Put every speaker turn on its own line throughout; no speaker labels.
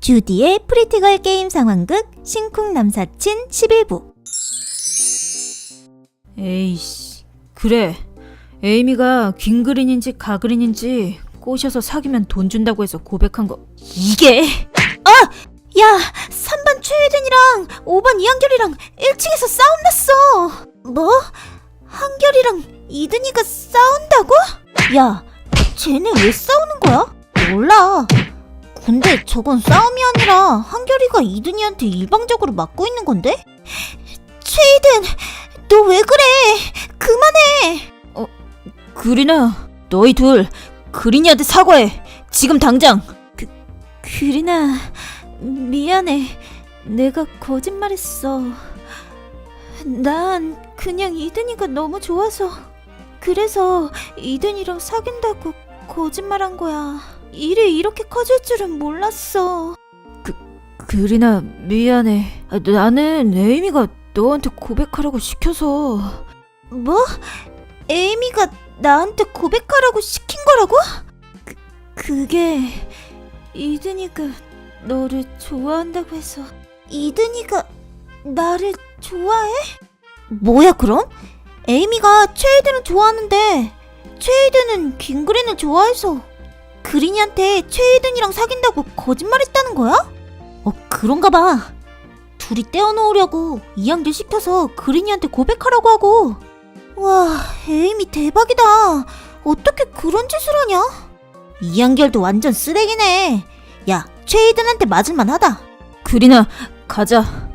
주디의 프리티걸 게임 상황극 신쿵 남사친 11부.
에이씨, 그래. 에이미가 긴그린인지 가그린인지 꼬셔서 사귀면 돈 준다고 해서 고백한 거 이게?
야, 3반 최혜den이랑 5반 이한결이랑 1층에서 싸움 났어. 뭐? 한결이랑 이든이가 싸운다고? 야, 쟤네 왜 싸우는 거야? 몰라. 근데 저건 싸움이 아니라 한결이가 이든이한테 일방적으로 맞고 있는 건데? 최혜den, 너 왜 그래? 그만해.
그린아, 너희 둘 그린이한테 사과해. 지금 당장.
그린아, 미안해. 내가 거짓말했어. 난 그냥 이든이가 너무 좋아서, 그래서 이든이랑 사귄다고 거짓말한 거야. 일이 이렇게 커질 줄은 몰랐어.
그린아, 미안해. 나는 에이미가 너한테 고백하라고 시켜서.
뭐? 에이미가 나한테 고백하라고 시킨 거라고? 그게 이든이가 너를 좋아한다고 해서. 이든이가 나를 좋아해? 뭐야 그럼? 에이미가 최혜den을 좋아하는데 최혜den은 긴그린을 좋아해서 그린이한테 최혜den이랑 사귄다고 거짓말했다는 거야? 그런가 봐. 둘이 떼어놓으려고 이한결 시켜서 그린이한테 고백하라고 하고. 와, 에이미 대박이다. 어떻게 그런 짓을 하냐? 이한결도 완전 쓰레기네. 야, 최혜den한테 맞을만 하다.
그린아, 가자.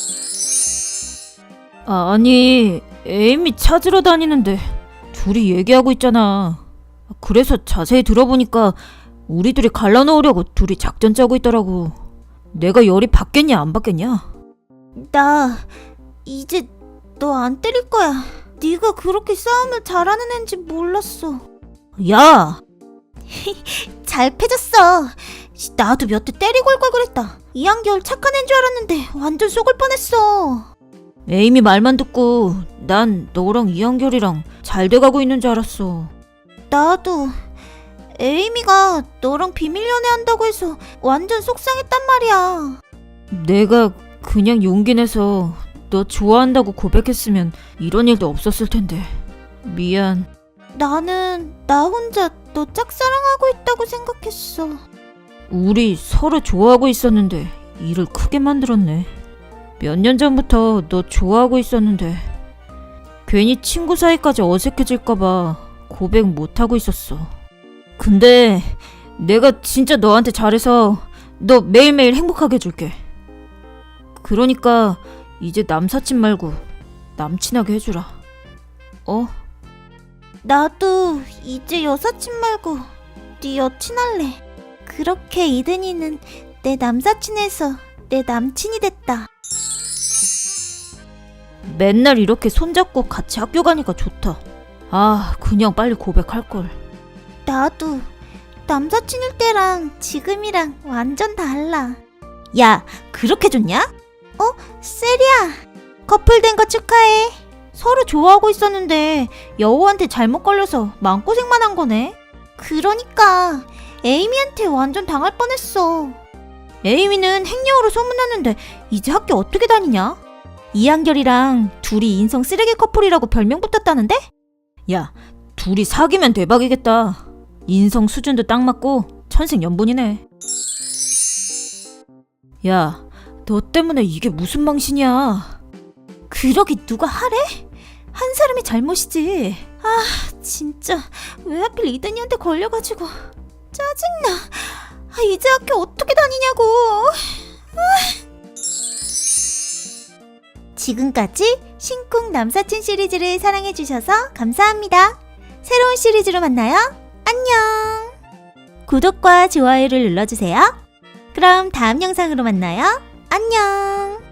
아니, 에이미 찾으러 다니는데 둘이 얘기하고 있잖아. 그래서 자세히 들어보니까 우리 둘이 갈라놓으려고 둘이 작전 짜고 있더라고. 내가 열이 받겠냐 안 받겠냐?
나 이제 너 안 때릴 거야. 네가 그렇게 싸움을 잘하는 앤지 몰랐어.
야!
잘 패졌어. 나도 몇 대 때리고 올 걸 그랬다. 이한결 착한 앤 줄 알았는데 완전 속을 뻔했어.
에이미 말만 듣고 난 너랑 이한결이랑 잘 돼가고 있는 줄 알았어.
나도 에이미가 너랑 비밀 연애한다고 해서 완전 속상했단 말이야.
내가 그냥 용기 내서 너 좋아한다고 고백했으면 이런 일도 없었을 텐데. 미안.
나는 나 혼자 너 짝사랑하고 있다고 생각했어.
우리 서로 좋아하고 있었는데 일을 크게 만들었네. 몇 년 전부터 너 좋아하고 있었는데 괜히 친구 사이까지 어색해질까봐 고백 못하고 있었어. 근데 내가 진짜 너한테 잘해서 너 매일매일 행복하게 해줄게. 그러니까 이제 남사친 말고 남친하게 해주라.
나도 이제 여사친 말고 네 여친 할래. 그렇게 이든이는 내 남사친에서 내 남친이 됐다.
맨날 이렇게 손잡고 같이 학교 가니까 좋다. 그냥 빨리 고백할걸.
나도 남사친일 때랑 지금이랑 완전 달라. 야, 그렇게 좋냐? 세리야, 커플 된 거 축하해. 서로 좋아하고 있었는데 여우한테 잘못 걸려서 마음고생만 한 거네. 그러니까 에이미한테 완전 당할 뻔했어. 에이미는 행여우로 소문났는데 이제 학교 어떻게 다니냐? 이한결이랑 둘이 인성 쓰레기 커플이라고 별명 붙었다는데?
야, 둘이 사귀면 대박이겠다. 인성 수준도 딱 맞고 천생연분이네. 야, 너 때문에 이게 무슨 망신이야.
그러기 누가 하래? 한 사람이 잘못이지. 진짜 왜 하필 이든이한테 걸려가지고 짜증나. 이제 학교 어떻게 다니냐고. 지금까지 신쿵 남사친 시리즈를 사랑해주셔서 감사합니다. 새로운 시리즈로 만나요. 안녕. 구독과 좋아요를 눌러주세요. 그럼 다음 영상으로 만나요. 안녕.